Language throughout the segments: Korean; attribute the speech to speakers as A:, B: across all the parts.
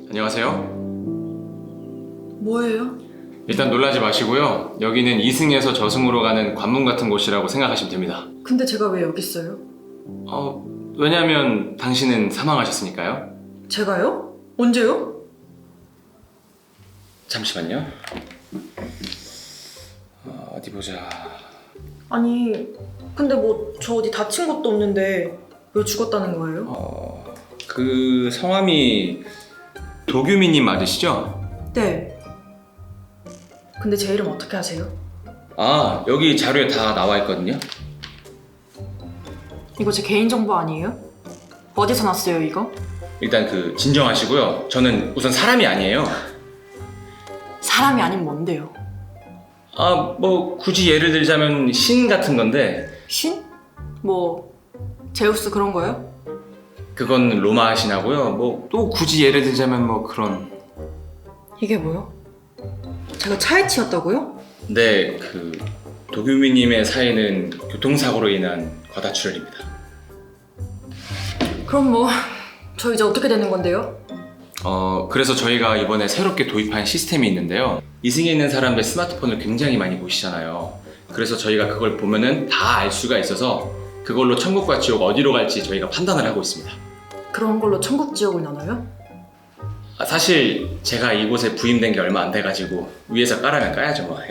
A: 안녕하세요.
B: 뭐예요?
A: 일단 놀라지 마시고요. 여기는 이승에서 저승으로 가는 관문 같은 곳이라고 생각하시면 됩니다.
B: 근데 제가 왜 여기 있어요?
A: 왜냐면 당신은 사망하셨으니까요.
B: 제가요? 언제요?
A: 잠시만요. 어디 보자.
B: 아니 근데 뭐 저 어디 다친 것도 없는데 왜 죽었다는 거예요?
A: 그 성함이 도규미님 맞으시죠?
B: 네. 근데 제 이름 어떻게 아세요?
A: 여기 자료에 다 나와 있거든요.
B: 이거 제 개인정보 아니에요? 어디서 났어요 이거?
A: 일단 진정하시고요. 저는 우선 사람이 아니에요.
B: 사람이 아닌 뭔데요?
A: 뭐 굳이 예를 들자면 신 같은 건데
B: 신? 뭐 제우스 그런 거요?
A: 그건 로마 신하고요. 뭐 또 굳이 예를 들자면 뭐 그런.
B: 이게 뭐요? 제가 차에 치였다고요?
A: 네, 도규미님의 사인은 교통사고로 인한 과다출혈입니다.
B: 그럼 뭐 저 이제 어떻게 되는 건데요?
A: 그래서 저희가 이번에 새롭게 도입한 시스템이 있는데요. 이승에 있는 사람들 스마트폰을 굉장히 많이 보시잖아요. 그래서 저희가 그걸 보면은 다 알 수가 있어서 그걸로 천국과 지옥 어디로 갈지 저희가 판단을 하고 있습니다.
B: 그런 걸로 천국 지옥을 나눠요?
A: 사실 제가 이곳에 부임된 게 얼마 안 돼가지고 위에서 까라면 까야죠 뭐.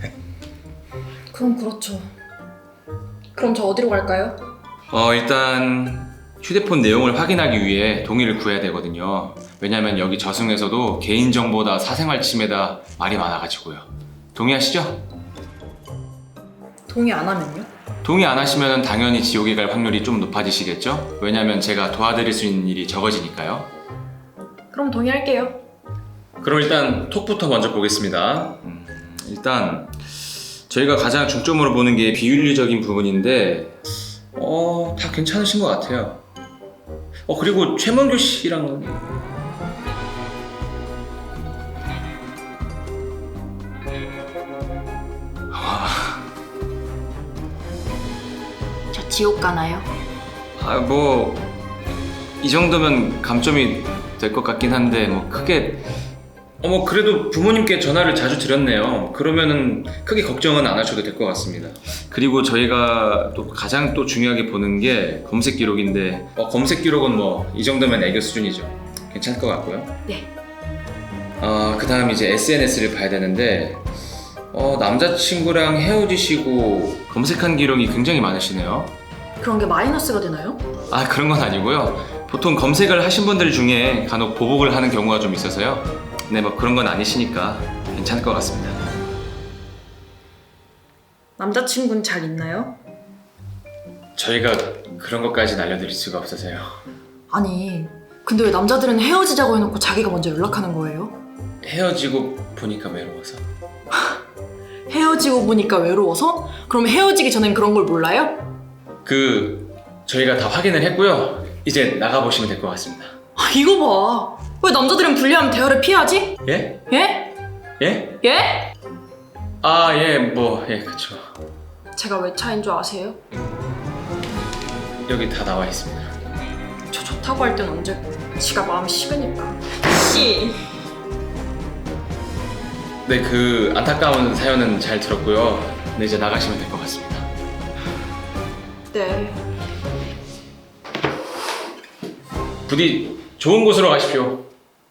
B: 그럼 그렇죠. 그럼 저 어디로 갈까요?
A: 일단 휴대폰 내용을 확인하기 위해 동의를 구해야 되거든요. 왜냐면 여기 저승에서도 개인정보다 사생활 침해다 말이 많아가지고요. 동의하시죠?
B: 동의 안 하면요?
A: 동의 안 하시면 당연히 지옥에 갈 확률이 좀 높아지시겠죠? 왜냐면 제가 도와드릴 수 있는 일이 적어지니까요.
B: 그럼 동의할게요.
A: 그럼 일단 톡부터 먼저 보겠습니다. 일단 저희가 가장 중점으로 보는 게 비윤리적인 부분인데 다 괜찮으신 것 같아요. 그리고 최문규 씨랑
B: 저 지옥 가나요?
A: 뭐 이 정도면 감점이 될 것 같긴 한데 뭐 크게 뭐 그래도 부모님께 전화를 자주 드렸네요. 그러면은 크게 걱정은 안 하셔도 될 것 같습니다. 그리고 저희가 또 가장 또 중요하게 보는 게 검색 기록인데 검색 기록은 뭐 이 정도면 애교 수준이죠. 괜찮을 것 같고요.
B: 네.
A: 그 다음 이제 SNS를 봐야 되는데 남자친구랑 헤어지시고 검색한 기록이 굉장히 많으시네요.
B: 그런 게 마이너스가 되나요?
A: 그런 건 아니고요. 보통 검색을 하신 분들 중에 간혹 보복을 하는 경우가 좀 있어서요. 네, 뭐 그런 건 아니시니까 괜찮을 것 같습니다.
B: 남자친구는 잘 있나요?
A: 저희가 그런 것까지는 알려드릴 수가 없어서요.
B: 아니 근데 왜 남자들은 헤어지자고 해놓고 자기가 먼저 연락하는 거예요?
A: 헤어지고 보니까 외로워서.
B: 헤어지고 보니까 외로워서? 그럼 헤어지기 전엔 그런 걸 몰라요?
A: 저희가 다 확인을 했고요. 이제 나가보시면 될 것 같습니다.
B: 이거 봐. 왜 남자들은 불리하면 대화를 피하지?
A: 예?
B: 예?
A: 예?
B: 예?
A: 그쵸.
B: 제가 왜 차인 줄 아세요?
A: 여기 다 나와 있습니다.
B: 저 좋다고 할 땐 언제고 지가 마음이 식으니까. 씨.
A: 네, 안타까운 사연은 잘 들었고요. 네, 이제 나가시면 될 것 같습니다.
B: 네.
A: 부디 좋은 곳으로 가십시오.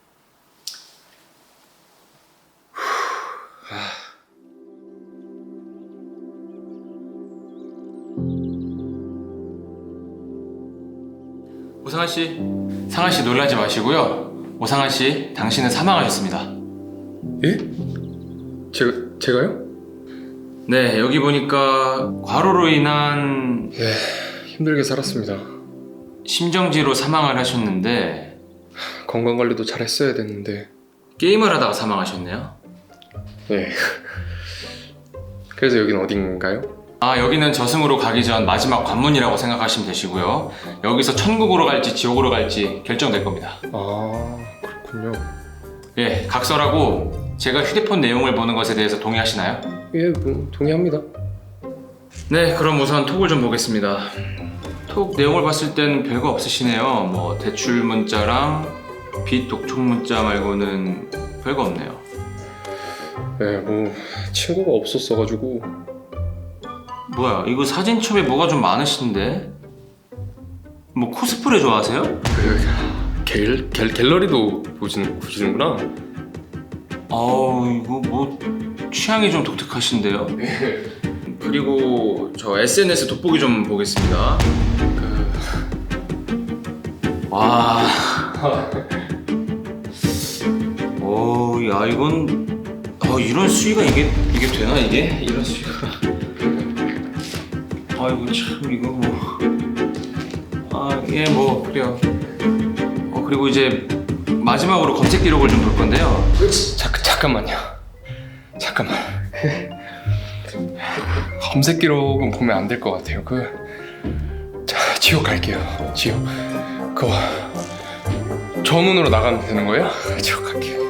A: 오상아 씨, 상아 씨 놀라지 마시고요. 오상아 씨, 당신은 사망하셨습니다.
C: 예? 제가요?
A: 네, 여기 보니까 과로로 인한
C: 예, 힘들게 살았습니다.
A: 심정지로 사망을 하셨는데
C: 건강관리도 잘 했어야 됐는데.
A: 게임을 하다가 사망하셨네요.
C: 예. 그래서 여긴 어딘가요?
A: 여기는 저승으로 가기 전 마지막 관문이라고 생각하시면 되시고요. 여기서 천국으로 갈지 지옥으로 갈지 결정될 겁니다.
C: 그렇군요.
A: 예, 각설하고 제가 휴대폰 내용을 보는 것에 대해서 동의하시나요?
C: 예, 뭐 동의합니다.
A: 네, 그럼 우선 톡을 좀 보겠습니다. 톡 내용을 봤을 땐 별거 없으시네요. 뭐 대출 문자랑 비독촉 문자 말고는 별거 없네요.
C: 네, 뭐 친구가 없었어가지고.
A: 뭐야, 이거 사진첩에 뭐가 좀 많으신데? 뭐 코스프레 좋아하세요?
C: 갤러리도 보시는구나.
A: 이거 뭐 취향이 좀 독특하신데요? 그리고 저 SNS 돋보기 좀 보겠습니다. 와, 야 이건 이런 수위가 이게 되나 이게 이런 수위가? 아이고 참 이거 뭐 그래요. 그리고 이제 마지막으로 검색 기록을 좀 볼 건데요.
C: 잠깐만요. 검색 기록은 보면 안 될 것 같아요. 지옥 갈게요. 지옥. 전문으로 나가면 되는 거예요? 지옥 갈게요.